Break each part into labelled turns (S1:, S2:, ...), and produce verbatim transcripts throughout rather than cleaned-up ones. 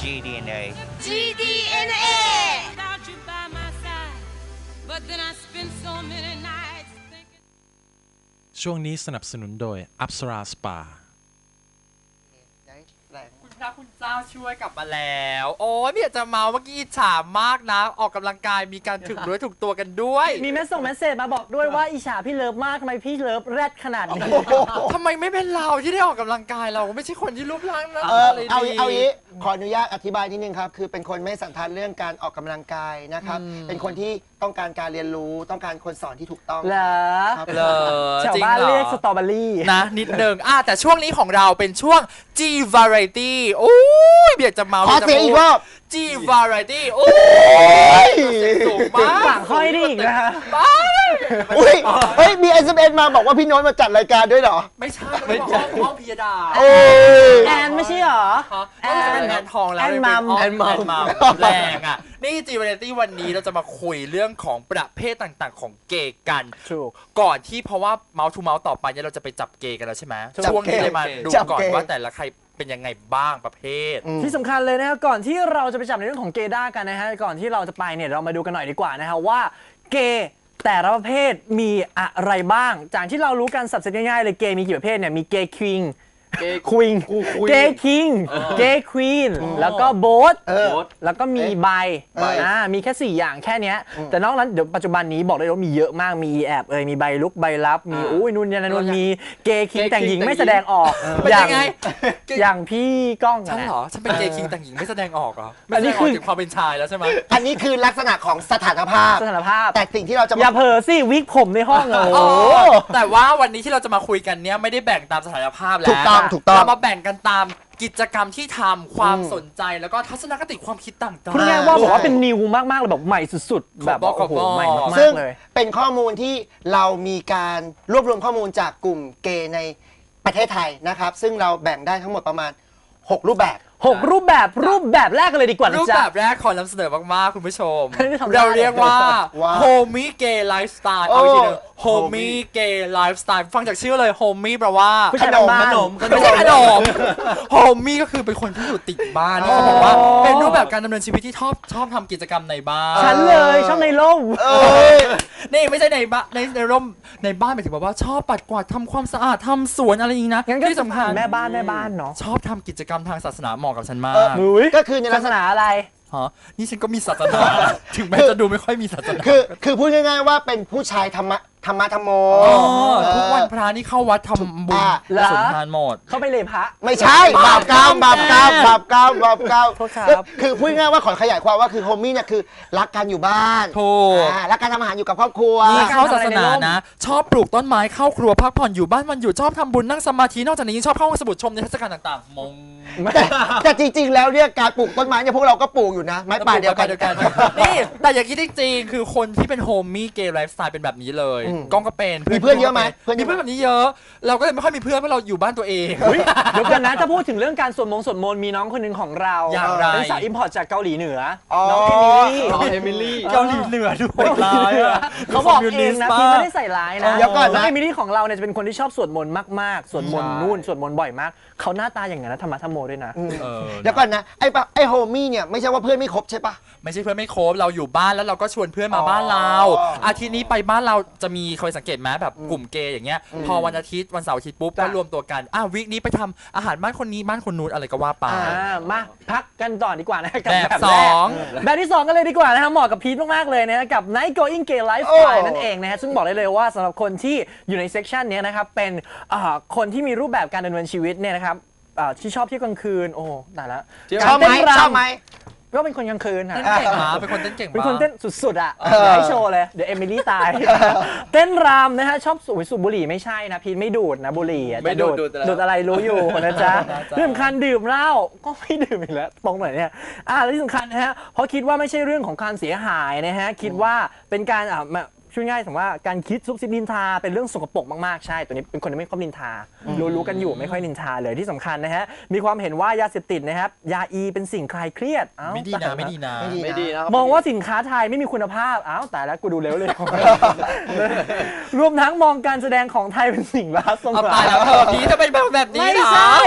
S1: จี ดี เอ็น เอ
S2: จี ดี เอ็น เอ
S3: ช่วงนี้สนับสนุนโดยอัปสราสปา
S4: คุณพระคุณเจ้าช่วยกลับมาแล้วโอ้ยไม่อยากจะเมาเมื่อกี้อิจฉามากนะออกกำลังกายมีการถึกด้วยถูกตัวกันด้วย
S5: มีเมสส่งเมสเซจมาบอกด้วยว่าอิจฉาพี่เลิฟมากทำไมพี่เลิฟแรดขนาดนี้
S4: ทำไมไม่เป็นเราที่ได้ออกกำลังกายเราไม่ใช่คนที่รูปร่างนะ
S6: อะไรดีเอาเอาอย่างนี้ขออนุญาตอธิบายนิดนึงครับคือเป็นคนไม่สันทัดเรื่องการออกกำลังกายนะครับเป็นคนที่ต้องการการเรียนรู้ต้องการคนสอนที่ถูกต้อง
S5: เหรอ
S4: เหรอ
S5: ชาวบ้านเรียกสตรอเบอรี่
S4: นะนิดนึงอ่ะแต่ช่วงนี้ของเราเป็นช่วง G Variety โอ้ยเบียดจะเมา
S6: ขอเสียงอีกรอบ
S4: G Variety โอ้ยสูงมาก
S5: ฝั่งค่อยได้อีกนะฮะ
S6: อุ้ยเฮ้ยมี เอส เอ็ม เอส มาบอกว่าพี่โน้ตมาจัดรายการด้วยเหรอ
S4: ไม่ใช่ไม่ใช่ห้องพิยดา
S5: แอนไม่ใช่เหรอ
S4: แอนแอนทองแล้ว
S5: แอนมัม
S4: แอนมัมแรงอ่ะนี่ G Variety วันนี้เราจะมาคุยเรื่องของประเภทต่างๆของเกย์กันก่อนที่เพราะว่าเมาส์ทูเมาส์ต่อไปเนี่ยเราจะไปจับเกย์กันแล้วใช่ไหมช่วงนี้เลยมาดูก่อนว่าแต่ละใครเป็นยังไงบ้างประเภท
S5: ที่สำคัญเลยนะครับก่อนที่เราจะไปจับในเรื่องของเกย์ด้ากันนะฮะก่อนที่เราจะไปเนี่ยเรามาดูกันหน่อยดีกว่านะฮะว่าเกย์แต่ละประเภทมีอะไรบ้างจากที่เรารู้กันสับเซตง่ายๆเลยเกย์มีกี่ประเภทเนี่ยมีเกย์คิงเกย์ควีนเกย์คิงเกย์ควีนแล้วก็โบ๊ทแล้วก็มีไบอ่ามีแค่สี่อย่างแค่นี้แต่นอกนั้นเดี๋ยวปัจจุบันนี้บอกได้ว่ามีเยอะมากมีแอบเอ่ยมีใบลุกใบลับมีอุ้ยนุ่นยันนุ่นมีเกย์คิงแต่งหญิงไม่แสดงออก
S4: อย่าง
S5: อย่างพี่ก้อง
S4: ฉันเหรอฉันเป็นเกย์คิงแต่งหญิงไม่แสดงออกเหรออันนี้คือความเป็นชายแล้วใช่ไหม
S6: อันนี้คือลักษณะของสถานภาพ
S5: สถานภาพ
S6: แต่สิ่งที่เราจะ
S5: อย่าเผลอสิวิกผมในห้องโอ้
S4: แต่ว่าวันนี้ที่เราจะมาคุยกันเนี้ยไม่ได้แบ่งตามสถานภาพแล้ว
S6: ถูกต้องถูกต้อง
S4: เรามาแบ่งกันตามกิจกรรมที่ทำความสนใจแล้วก็ทัศนคติความคิดต่างๆ
S5: คุณแม่ว่าบอกว่าเป็นนิวมากๆเลยแบบใหม่สุดๆแบบโอ้โหใหม่มากๆเลย
S6: เป็นข้อมูลที่เรามีการรวบรวมข้อมูลจากกลุ่มเกย์ในประเทศไทยนะครับซึ่งเราแบ่งได้ทั้งหมดประมาณหกรูปแบบ
S5: หกรูปแบบรูปแบบแรกกันเลยดีกว่า
S4: รูปแบบแรกขอนำเสนอมากๆคุณผู้ชมเราเรียกว่าโฮมี่เกย์ไลฟ์สไตล์เอาอีกทีนึงโฮมี่เกย์ไลฟ์สไตล์ฟังจากชื่อเลยโฮมี่แปลว่า
S5: ขนมขนม
S4: ไม่ใช่ขนมโฮมี่ก็คือเป็นคนที่อยู่ติดบ้านเขาบอกว่าเป็นรูปแบบการดำเนินชีวิตที่ชอบชอบทำกิจกรรมในบ้าน
S5: ฉันเลยชอบในร่ม
S4: นี่ไม่ใช่ในบ้านในในร่มในบ้านหมายถึงว่าชอบปัดกวาดทำความสะอาดทำสวนอะไรอย่างนี้นะ
S5: ที่สำคัญแม่บ้านแม่บ้านเนาะ
S4: ชอบทำกิจกรรมทางศาสนาเหมาะกับฉันมาก
S6: ก็คือใน
S5: ศาสนาอะไร
S4: ฮะนี่ฉันก็มีศาสนาถึงแม้จะดูไม่ค่อยมีศาสนา
S6: คือคือพูดง่ายๆว่าเป็นผู้ชายธรรมะธรรมะธรรมโม
S4: ทุกวันพระนี่เข้าวัดทำบุญสุนทานหมด
S5: เข้าไปเลยพระ
S6: ไม่ใช่บาปกรรมบาปกรรมบาปกรรมบาปกรรมคือพูดง่ายๆว่าขอขยายความว่าคือโฮมี่เนี่ยคือรักกันอยู่บ้าน
S4: ถูก
S6: รักการทำอาหารอยู่กับครอบครัว
S4: นี่เข้าศาสนานะชอบปลูกต้นไม้เข้าครัวพักผ่อนอยู่บ้านมันอยู่ชอบทำบุญนั่งสมาธินอกจากนี้ชอบเข้าห้องสมุดชมในเทศกาลต่างๆมง
S6: แต่จริงๆแล้วเนี่ยการปลูกต้นไม้เนี่ยพวกเราก็ปลูกอยู่นะไม้ป่าเดียวกัน
S4: นี่แต่อย่างที่จริงคือคนที่เป็นโฮมี่เกย์ไลฟ์สไตล์เป็นแบบนี้เลยก้องก็เป็น
S6: มีเพื่อนเยอะไหม
S4: มีเพื่อนแบบนี้เยอะเราก็เลยไม่ค่อยมีเพื่อนเพราะเราอยู่บ้านตัวเอง
S5: เดี๋ยวกันนะถ้าพูดถึงเรื่องการสวดมงสวดมนต์มีน้องคนหนึ่งของเราเป็นสาวอิมพอร์ตจากเกาหลีเหนือน้องเอมิลี่
S4: เอมิลี่เกาหลีเหนือด้วย
S5: เขาบอกเองนะพี่ไม่ได้ใส่ร้ายนะแล้วก็เอมิลี่ของเราเนี่ยจะเป็นคนที่ชอบสวดมนต์มากๆสวดมนต์นู่นสวดมนต์บ่อยมากเขาหน้าตาอย่างนั้นนะธรรมะธรรมโมด้วยนะ
S6: แล้วก่อนนะไอ้ไอ้โฮมี่เนี่ยไม่ใช่ว่าเพื่อนไม่ครบใช่ปะ
S4: ไม่ใช่เพื่อนไม่ครบเราอยู่บ้านแล้วเราก็ชวนเพื่อนมาบ้านเราอาทิตย์นี้ไปบ้านเราจะมีเคยสังเกตไหมแบบกลุ่มเกย์อย่างเงี้ยพอวันอาทิตย์วันเสาร์อาทิตย์ปุ๊บก็รวมตัวกันอ่ะวีคนี้ไปทำอาหารบ้านคนนี้บ้านคนนู้นอะไรก็ว่าไป
S5: มาพักกันต่อดีกว่านะกับ
S4: แบบสอง
S5: แบบที่สองกันเลยดีกว่านะฮะเหมาะกับพีทมากๆเลยนะกับ Night Going Gay Lifestyle นั่นเองนะฮะซึ่งบอกได้เลยว่าสำหรับคนที่อยู่ในเซกชันนี้นะครับเป็นคนที่มีรูปแบบการดำเนินชีวิตเนี่ยนะครับที่ชอบเที่ยวกลางคืนโอ้ตายแล้ว
S6: ชอบไหมชอบไหม
S5: ก็เป็นคนกลางคืน
S4: เต้นเก่งมากเป็นคนเต้นเก่งมาก
S5: เป็นคนเต้นสุดๆอ่ะให้โชว์เลยเดี๋ยวเอมิลี่ตายเต้นรำนะฮะชอบสูบสูบบุหรี่ไม่ใช่นะพีทไม่ดูดนะบุหรี่
S4: ไม่ดูด
S5: ดูดอะไรรู้อยู่นะจ๊ะเรื่องสำคัญดื่มเหล้าก็ไม่ดื่มอีกแล้วตรงไหนเนี่ยอ่าและที่สำคัญนะฮะเพราะคิดว่าไม่ใช่เรื่องของการเสียหายนะฮะคิดว่าเป็นการอ่าช่วยง่ายสมมติว่าการคิดซุบซิบนินทาเป็นเรื่องสกปรกมากๆใช่ตัวนี้เป็นคนที่ไม่ค่อยนินทารู้ๆกันอยู่ไม่ค่อยนินทาเลยที่สำคัญนะฮะมีความเห็นว่ายาเสพติดนะครับยาอีเป็นสิ่งคลายเครียด
S4: ไม่ดีนะไม่ดีนะ
S6: ไม่ดีนะ
S5: มองว่าสินค้าไทยไม่มีคุณภาพอ้าวแต่แล้วกูดูเร็วเลยรวมทั้งมองการแสดงของไทยเป็นสิ่งล้าสมัย
S4: ตายแล้วเธอพี่จะเป็นแบบแบบนี้
S5: ไม่ใช่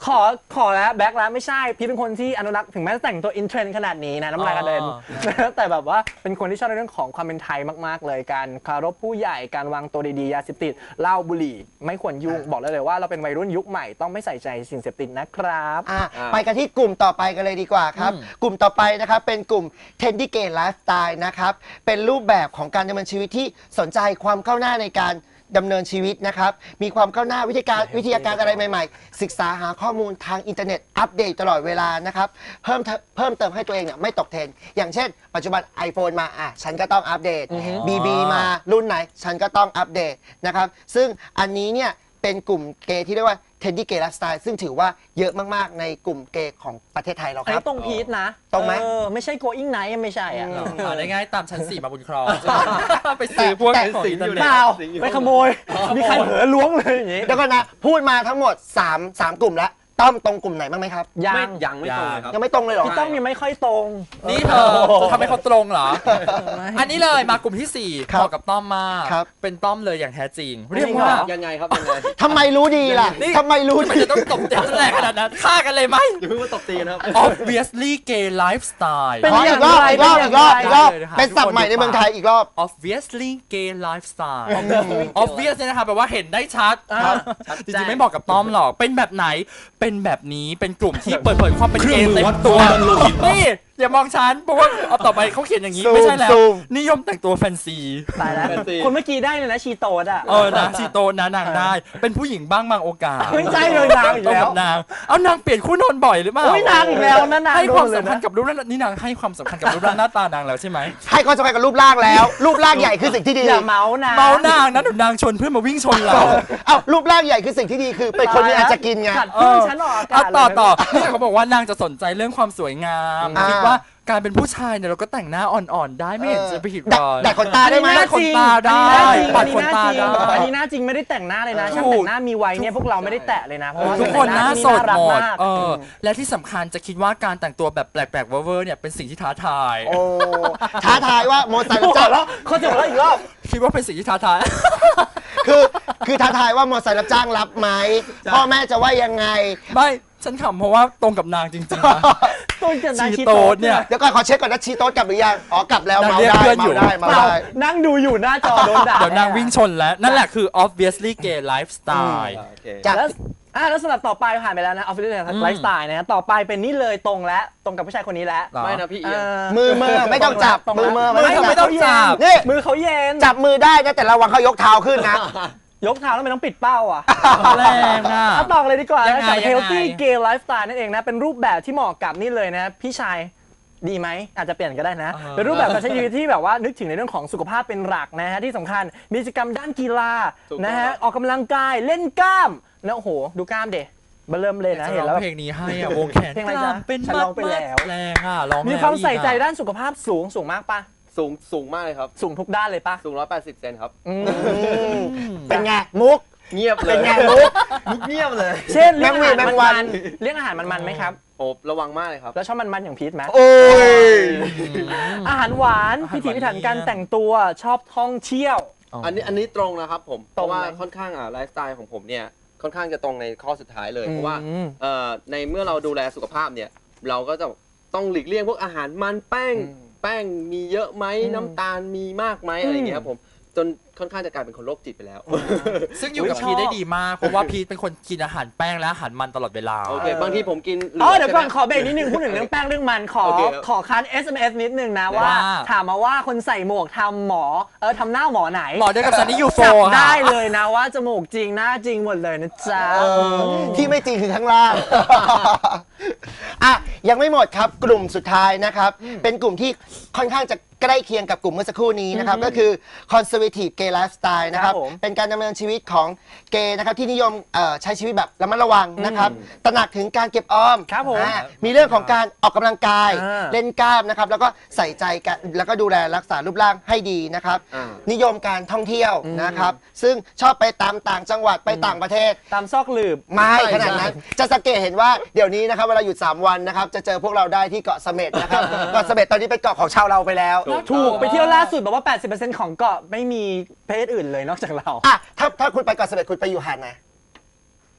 S5: ขอขอแล้วแบ็คแล้วไม่ใช่พี่เป็นคนที่อนุรักษ์ถึงแม้จะแต่งตัวอินเทรนด์ขนาดนี้นะน้ำลายกระเด็น แต่แบบว่าเป็นคนที่ชอบในเรื่องของความเป็นไทยมากๆเลยการเคารพผู้ใหญ่การวางตัวดีๆยาเสพติดเหล้าบุหรี่ไม่ควรยุ่งบอกเลยเลยว่าเราเป็นวัยรุ่นยุคใหม่ต้องไม่ใส่ใจสิ่งเสพติดนะครับ
S6: อ่ะไปกันที่กลุ่มต่อไปกันเลยดีกว่าครับ กลุ่มต่อไปนะครับเป็นกลุ่ม Trendy Gay Lifestyle นะครับเป็นรูปแบบของการดำเนินชีวิตที่สนใจความก้าวหน้าในการดำเนินชีวิตนะครับมีความก้าวหน้าวิธีการวิทยาการอะไรใหม่ๆ ศึกษาหาข้อมูลทางอินเทอร์เน็ตอัปเดตตลอดเวลานะครับเพิ่มเพิ่มเติมให้ตัวเองเนี่ยไม่ตกเทรนด์อย่างเช่น ปัจจุบัน iPhone มาอ่ะฉันก็ต้องอัปเดต บี บี มารุ่นไหนฉันก็ต้องอัปเดตนะครับซึ่งอันนี้เนี่ยเป็นกลุ่มเกย์ที่เรียกว่า Trendy Gay Lifestyle ซึ่งถือว่าเยอะมากๆในกลุ่มเกย์ของประเทศไทยเรา
S5: ไอ้
S6: ครับ
S5: ตรงพีทนะ
S6: ตรงไหม
S5: เออไม่ใช่ going night ไม่ใช่อ่ะ
S4: อ่าได้ง่ายตามชั้นสี่มาบุญครองไปซื้อพวก
S6: แต่
S4: ของอินเทอร์เน็ต
S5: เปล่าไปขโมยมีใครเผลอล้วงเลยอย่างงี้
S6: เดี๋ยวก่อนนะพูดมาทั้งหมด3 3กลุ่มแล้วต้อมตรงกลุ่มไหนบ้างไหมครับ
S5: ยั
S1: ไม่
S5: ง
S1: ยังไม่ตรงเลยครับ
S6: ยังไม่ตรงเลยเหรอ
S5: พี่ต้องยังไม่ค่อยตรง
S4: นี่เธอจะทำให้เขาตรงเหรอ อันนี้เลยมากลุ่มที่สี่
S6: ครับ
S4: เหมาะกับต้อมมาก
S6: ครับ
S4: เป็นต้อมเลยอย่างแท้จริง
S5: จริง
S4: เรียกว่า
S1: ยังไงครับยังไง
S6: ทำไมรู้ดีล่ะ
S4: นี่
S6: ทำไมรู้
S4: มัน
S6: ดี
S4: จะต้องตบเต็มแรงขนาดนั้นฆ่ากันเลยไหม
S1: อย่าเพิ่งมาตบตีนะครับ
S4: obviously gay lifestyle
S5: เป็น
S6: ขออีกรอบอีกรอบอีกรอบอีกรอบ
S4: ได้เลยนะคะ
S6: เป็นศัพท์ใหม่ในเมืองไทยอีกรอบ
S4: obviously gay lifestyle obvious เนี่ยนะคะแปลว่าเห็นได้ชัด
S5: ครับ
S4: จริงๆไม่บอกกับต้อมหรอกเป็นแบบไหนเป็นแบบนี้เป็นกลุ่มที่เปิดเผยความเป็นเกย์เต็มตัวนี่อย่ามองฉันเพราะว่าเอาต่อไปเขาเขียนอย่างนี้
S6: ซูม
S4: ไม่ใช่แล้ว
S6: ซูม
S4: นิยมแต่งตัวแฟนซี
S5: ตายแล้ว
S1: แฟนซี
S5: คนเมื่อกี้ได้เลยนะชีโตดอ่ะ
S4: เออนะชีโตนะนางได้ เป็นผู้หญิงบ้างบางโอกาส
S5: ไม่ใช่เลยนางอีก
S4: ตรง
S5: แล้ว
S4: กับนางเอานางเปลี่ยนคู่นอนบ่อยหรือเปล่า
S5: โอ้ยนางอีกแล้วนะนาง
S4: ให้ความ
S5: โดนเลย
S4: สำคัญ
S5: นะ
S4: กับรูปร่างนี่นางให้ความสำคัญกับรูปร่างหน้าตานางแล้วใช่ไหม
S6: ให้ความสำคัญกับรูปร่างแล้ว รูปร่างใหญ่คือสิ่งที่ดี
S5: อย่าเมาส์นะ
S4: เมานางนะเดี๋ยวนางชนเพื่อนมาวิ่งชนเรา
S6: เอ้ารูปร่างใหญ่คือสิ่งที่ดีคือเป็นคนที่อาจจะกินไง
S5: ขัดเพื่อนฉันออกอากา
S4: เอา
S5: ศ
S4: ต่อ
S5: เลย
S4: ต่อนี่เขาบอกว่านางจะสนใจเรื่องความสวยงาม
S6: อ่า
S4: คิดว่าการเป็นผู้ชายเนี่ยเราก็แต่งหน้าอ่อนๆ ได้ไม่เห็นจะไปผิด
S6: ดัก
S4: เลย
S6: ดักขนตาได้ไหม
S5: อันนี้
S4: ขนตาได้
S5: อันนี้
S4: ปัดขน
S5: หน้า
S4: ตา
S5: จริง
S4: ได้
S5: อันนี้หน้าจริงไม่ได้แต่งหน้าเลยนะ
S4: ถูก
S5: ช่างแต่งหน้ามีไว้เนี่ยพวกเราไม่ได้แตะเลยนะเพราะว่า
S4: ทุกคนหน้าสด
S5: รัก
S4: หมด
S5: มาก
S4: เออและที่สำคัญจะคิดว่าการแต่งตัวแบบแปลกๆเวอร์ๆเนี่ยเป็นสิ่งที่ท้าทาย
S6: โอ้ท้าทายว่าโมไซค์รับจ้าง
S5: แล้วเขาจะบอกแล้วอีกรอบ
S4: คิดว่าเป็นสิ่งที่ท้าทาย
S6: คือคือท้าทายว่าโมไซค์รับจ้างรับไหมพ่อแม่จะว่ายังไง
S4: ไม่ฉันขำเพราะว่าตรงกับนางจริงๆนะ
S5: ต้นจะนาย
S4: ชี
S5: ชี
S4: โต
S5: โต
S4: ดเนี่ย
S6: เดี๋ยวก่อนขอเช็คก่อนนะชีโต๊ดกลับหรือยังอ๋อกลับแล้ว
S4: นาง
S6: เมา
S4: เรียก
S6: ได้
S4: เพื่อนอยู่
S6: เมาได้เมา
S5: เปล่า
S6: ได้
S5: นั่งดูอยู่หน้าจอโดนด่า
S4: เดี๋ยวนางวิ่งชนแล้ว นั่นแหละคือ obviously gay lifestyle
S1: โอเค
S6: จาก
S5: แล้วอ่ะแล้วสำหรับต่อไปผ่านไปแล้วนะออฟฟิศไลฟ์สไตล์นะฮะต่อไปเป็นนี่เลยตรงและตรงกับผู้ชายคนนี้แล้ว
S4: หรอ
S1: ไม่นะพี่เอียง
S6: มือมือไม่ต้องจับ
S5: ตรง
S6: มือ
S5: แล้ว
S6: มือ
S4: มือไม่ต้องจับ
S6: นี่
S5: มือเขาเย็น
S6: จับมือได้นะแต่ระวังเขายกเท้าขึ้นนะ
S5: ยกเท้าแล้วไม่ต้องปิดเป้าอ่ะ
S4: แรงอ่ะ
S5: เอาต่อเลยดีกว่า
S4: ยัง
S5: นะ
S4: ไง
S5: กับ
S4: ยังไง
S5: healthy gay lifestyle นั่นเองนะ เป็นรูปแบบที่เหมาะกับนี่เลยนะ พี่ชายดีไหมอาจจะเปลี่ยนก็ได้นะ
S4: เออ
S5: เป็นรูปแบบการใช้ชีวิตที่แบบว่านึกถึงในเรื่องของสุขภาพเป็นหลักนะฮะที่สำคัญมีกิจกรรมด้านกีฬา
S1: ถูกต้อง
S5: นะฮะออกกำลังกายเล่นกล้ามแล้วโอ้โหดูกล้ามเดเบเริ่มเลยนะ
S4: จะ
S5: เห็น
S4: ร้
S5: แล้
S4: อ
S5: ว
S4: ง
S5: แบบ
S4: เพลงนี้ให้อ่ะวงแขน
S5: เพลงอะไรจ๊ะ
S4: เป็น
S5: ฉัน
S4: มั
S5: ร้
S4: ด
S5: องไป
S4: มัด
S5: แล้ว
S4: แรงอ่ะร้อง
S5: มีความใส่ใจ
S4: แล้วอีกอ่ะ
S5: ด้านสุขภาพสูงสูงมากปะ
S1: สูงสูงมากเลยครับ
S5: สูงทุกด้านเลยปะ
S1: สูงร้อยแปดสิบเซนครับ
S5: อืม
S6: เป็นไงมุก
S1: เงียบเลย
S6: เป็นไงมุก
S1: มุกเงียบเลย
S5: เช่นเลี้ยง
S6: แม
S5: อาง
S6: วี
S5: หาร
S6: แมงวั
S5: มัน นๆเลี้ยงอาหารมันๆไหมครับ
S1: โอ้ระวังมากเลยครับ
S5: แล้วชอบมันๆอย่างพีทไหม
S6: โอ้ย
S5: อาหารหวาน
S4: อาหารหวาน
S5: พิถีพิถันการแต่งตัวชอบท่องเที่ยว
S1: อันนี้อันนี้ตรงนะครับผม เพ
S5: ตรง
S1: ราะว่า
S5: ไหม
S1: ค่อนข้างอ่ะไลฟ์สไตล์ของผมเนี่ยค่อนข้างจะตรงในข้อสุดท้ายเลย
S5: อืม
S1: เพราะว่าเอ่อในเมื่อเราดูแลสุขภาพเนี่ยเราก็จะต้องหลีกเลี่ยงพวกอาหารมันแป้ง
S5: อืม
S1: แป้งมีเยอะไหม
S5: อืม
S1: น้ำตาลมีมากไหมอะไรอย่างเงี้ยครับผมจนค่อนข้างจะกลายเป็นคนโรคจิตไปแล้ว
S4: ซึ่งอยู่กับ
S5: อุ๊ยชอบ
S4: พีทได้ดีมาก เพราะว่าพีทเป็นคนกินอาหารแป้งและอาหารมันตลอดเวลา
S1: โอเคบางทีผมกินหลื
S5: อ๋อเดี๋ยวก่อน
S1: ใช่ไหม
S5: ขอเบรกนิดนึงพูดถึงเรื่องแป้งเรื่องมันขอ
S1: โอเคครับ
S5: ขอคัน เอส เอ็ม เอส นิดนึงนะว่า
S4: ว่า
S5: ถามมาว่าคนใส่หมวกทำหมอเออทำหน้าหมอไหน
S4: หมอเดียวกับซันนี่ยูโฟ
S5: จับ
S4: ค่ะ
S5: ได้เลยนะว่าจมูกจริงหน้าจริงหมดเลยนะจ๊ะ
S6: ที่ไม่จริงคือข้างล่าง อ่ะยังไม่หมดครับกลุ่มสุดท้ายนะครับ เป็นกลุ่มที่ค่อนข้างจะใกล้เคียงกับกลุ่มเมื่อสักครู่นี้นะครับ ก็คือ conservative gay lifestyle นะครับ
S5: ครับผม
S6: เป็นการดำเนินชีวิตของเกย์นะครับที่นิยมเอ่อใช้ชีวิตแบบระมัดระวังนะครับ ตระหนักถึงการเก็บออม
S5: ครับผม
S6: อ่ามีเรื่องของการออกกำลังกาย
S5: อ่า
S6: เล่นกล้ามนะครับ แล้วก็ใส่ใจกันแล้วก็ดูแลรักษารูปร่างให้ดีนะครับ
S1: อ่า
S6: นิยมการท่องเที่ยวนะครับ ซึ่งชอบไปตามต่างจังหวัดไปต่างประเทศ
S5: ตามซอกหลืบ
S6: ไม่ขนาดนั้น จะสังเกตเห็นว่าเดี๋ยวนี้นะครับเวลาหยุดสามวันนะครับจะเจอพวกเราได้ที่เกาะเสม็ดนะครับ เกาะเสม็ดตอนนี้เป็นเกาะของชาวเราไปแล้ว
S5: ถูกไปเที่ยวล่าสุดบอกว่า แปดสิบเปอร์เซ็นต์ ของเกาะไม่มีเพศอื่นเลยนอกจากเรา
S6: อ่ะถ้าถ้าคุณไปเกาะเสม็ดคุณไปอยู่หาดไหน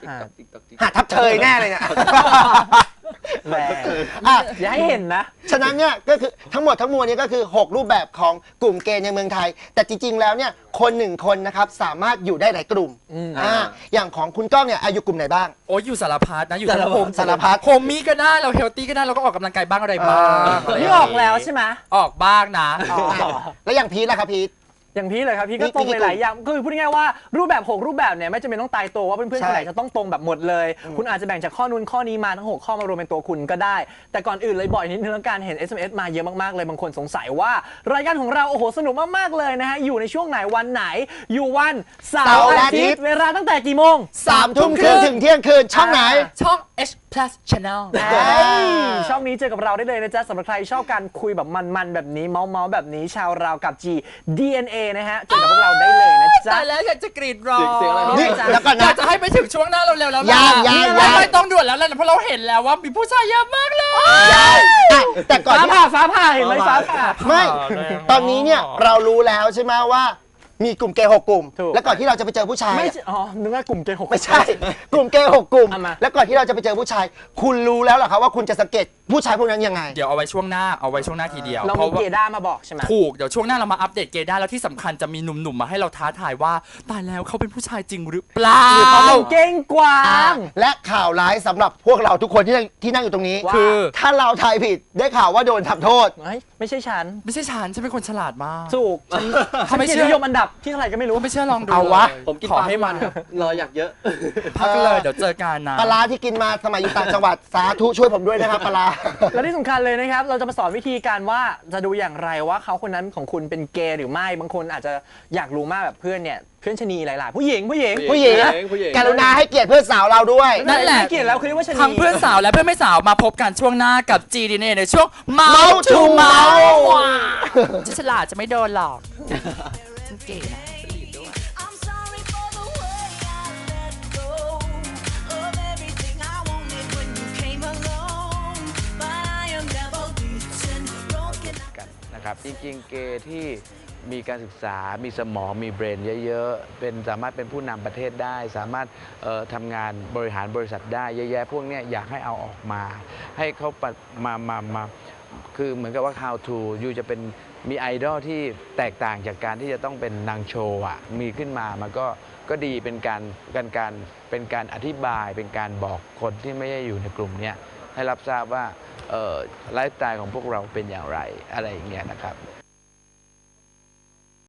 S1: ติ๊กต๊อกติ๊กต๊อกติ๊ก
S6: หาทับเชยแน่เลยเนี่ย
S5: แหม
S6: อ่ะ
S5: อย่าให้เห็นนะ
S6: ฉะนั้นเนี่ยก็คือทั้งหมดทั้งมวลนี้ก็คือ 6 รูปแบบของกลุ่มเกย์ในเมืองไทย แต่จริงๆแล้วเนี่ยคนหนึ่งคนนะครับสามารถอยู่ได้หลายกลุ่ม
S5: อืม
S6: อ่าอย่างของคุณก้องเนี่ยอายุกลุ่มไหนบ้าง
S4: โอ้ยอยู่สารพัดนะอยู่
S6: สารพัด
S4: โฮม
S6: สารพัด
S4: โฮมมี่ก็ได้เราเฮลตี้ก็ได้เราก็ออกกำลังกายบ้างอะไรบ้าง
S6: เออ
S4: อะไร
S5: นี่
S4: ย่าง
S5: ออกแล้วใช่ไหม
S4: ออกบ้างนะ
S5: อ๋อ
S6: แล้วอย่างพีทล่ะครับพีท
S5: อย่างพี่เลยครับพี่ก็
S6: มี
S5: ตรง
S6: มีกี่
S5: หลายๆอย่างคือพูดง่ายๆว่ารูปแบบหกรูปแบบเนี่ยไม่จำเป็นต้องตายตัวว่าเพื่อนๆ
S6: ใช่
S5: คนไหนจะต้องตรงแบบหมดเลย คุณอาจจะแบ่งจากข้อนู้นข้อนี้มาทั้งหกข้อมารวมเป็นตัวคุณก็ได้ แต่ก่อนอื่นเลยบ่อยนิดนึงแล้วการเห็น เอส เอ็ม เอส มาเยอะมากๆเลยบางคนสงสัยว่ารายการของเราโอ้โหสนุกมากๆเลยนะฮะอยู่ในช่วงไหนวันไหนอยู่วันเสา
S6: เสาร์
S5: ร์
S6: และ
S5: อา
S6: อาทิ
S5: ทิ
S6: ต
S5: ต
S6: ย์
S5: ย์เวลาตั้งแต่กี่โมง
S6: สามทุ่มครึ่งถึงเที่ยงคืนช่องไหน
S4: ช่อง H plus channel
S5: เอ้ยช่องนี้เจอกับเราได้เลยนะจ๊ะสำหรับใครชอบการคุยแบบมันๆแบบนี้เมาๆแบบนี้ชาวเรากับ G ดี เอ็น เอ นะฮะเจอกับพวกเราได้เลยนะจ๊ะ
S4: ตายแล้วอยากจะกรีดร้อง
S1: เสียงเสียงอะไร
S6: นี่
S1: ครับ
S6: แล้วก่อน
S4: อยา
S6: นะ
S4: กจะให้ไปถึงช่วงหน้าเราเร็วๆแล้ว
S6: ยังยัง
S4: ไม่
S6: ยัง
S4: ไม่ต้องด่วนแล้วแหละเพราะเราเห็นแล้วว่ามีผู้ชายเยอะมากเลย
S6: อ่ะแต่ก่อน
S5: ฟ้า
S6: ที่
S5: ผ่าฟ้าผ่าเห็นไหมฟ้าผ่า
S6: ไม่
S4: แรงมาก
S6: ตอนนี้เนี่ยเรารู้แล้วใช่ไหมว่ามีกลุ่มเกย์หกกลุ่ม
S5: ถูก
S6: แล้วก่อนที่เราจะไปเจอผู้ชาย
S5: ไม่
S6: อะ
S5: ใช่อ๋อนึกว่ากลุ่มเกย์หก
S6: ไม่ใช่ กลุ่มเกย์หกกลุ่ม
S5: เอามา
S6: แล้วก่อนที่เราจะไปเจอผู้ชาย คุณรู้แล้วเหรอครับว่าคุณจะสังเกตผู้ชายพวกนั้นยังไง
S4: เดี๋ยวเอาไว้ช่วงหน้าเอาไว้ช่วงหน้าทีเดียว
S5: เรา
S4: เพ
S5: มี
S4: ราะว่า
S5: เกด้ามาบอกใช่ไหม
S4: ถูกเดี๋ยวช่วงหน้าเรามาอัปเดตเกย์ได้แล้วที่สำคัญจะมีหนุ่มๆมาให้เราท้าทายว่าตายแล้วเขาเป็นผู้ชายจริงหรือเปล่า
S5: เขาเป็นเก้งกวา
S6: อ่าง และข่าวร้ายสำหรับพวกเราทุกคนที่นั่งที่นั่งอยู่ตรงนี้
S5: ว่า
S4: คือ
S6: ถ้าเราทายผิดได้ข่าวว่าโดนทำโทษ
S5: เฮ้ยไม่ใช่ฉัน
S4: ไม่ใช่ฉันฉันเป็นคนฉลาดมาก
S5: ถูกฉันฉัน
S4: ไม่
S5: เกีย
S4: เชื่
S5: ร
S4: อ
S5: ตินิยมอันดับที่เท่าไหร่ก็ไม่รู้
S4: ไม่เชื่อลองดู
S6: เอาวะ
S4: ลย
S1: ผมกิน
S4: ขอ
S1: ปลา
S4: ให้
S1: ให้
S4: มั
S1: มัน นครับรออยากเยอะ
S4: พักกันเลยเดี๋ยวเจอกันนะ
S6: ปลาร้าที่กินมาสมัยอยู่ต่างจังหวัดสาธุช่วยผมด้วยนะครับปลาร้า
S5: และที่สำคัญเลยนะครับ เราจะมาสอนวิธีการว่าจะดูอย่างไรว่าเขาคนนั้นของคุณเป็นเกย์หรือไม่บางคนอาจจะอยากรู้มากแบบเพื่อนเนี่ยเพื่อนชะนีหลาย ๆ ผู้หญิงผู้หญิง
S6: ผู้หญิง
S1: ผู้หญิงผู้หญิง
S6: กรุณาให้เกียรติเพื่อนสาวเราด้วย
S4: นั่นแหละ
S5: ไม่เกลียดแล้วคือเรียกว่าชะนี
S4: ทั้งเพื่อนสาวและเพื่อนไม่สาวมาพบกันช่วงหน้ากับ จี ดี เอ็น เอ ในช่วงเมา
S6: Mouth
S4: ทู
S6: to
S4: เมา
S6: Mouth
S4: จะฉลาดจะไม่โดนหลอกฉันเก๋นะ
S2: I'm sorry for the way I let go of everything I wanted when you came along. But I am never beaten, broken.
S7: กันนะครับจริงๆ เกย์ที่มีการศึกษา มีสมอง มีเบรนเยอะๆ เป็นสามารถเป็นผู้นำประเทศได้ สามารถเอ่อทำงานบริหารบริษัทได้เยอะแยะพวกเนี้ยอยากให้เอาออกมา ให้เขาปะมามามาคือเหมือนกับว่า how to ยูจะเป็นมีไอดอลที่แตกต่างจากการที่จะต้องเป็นนางโชว์อะมีขึ้นมามันก็ก็ดีเป็นการการการเป็นการอธิบายเป็นการบอกคนที่ไม่ได้อยู่ในกลุ่มเนี้ยให้รับทราบว่าเอ่อไลฟ์สไตล์ของพวกเราเป็นอย่างไรอะไรอย่างเงี้ยนะครับ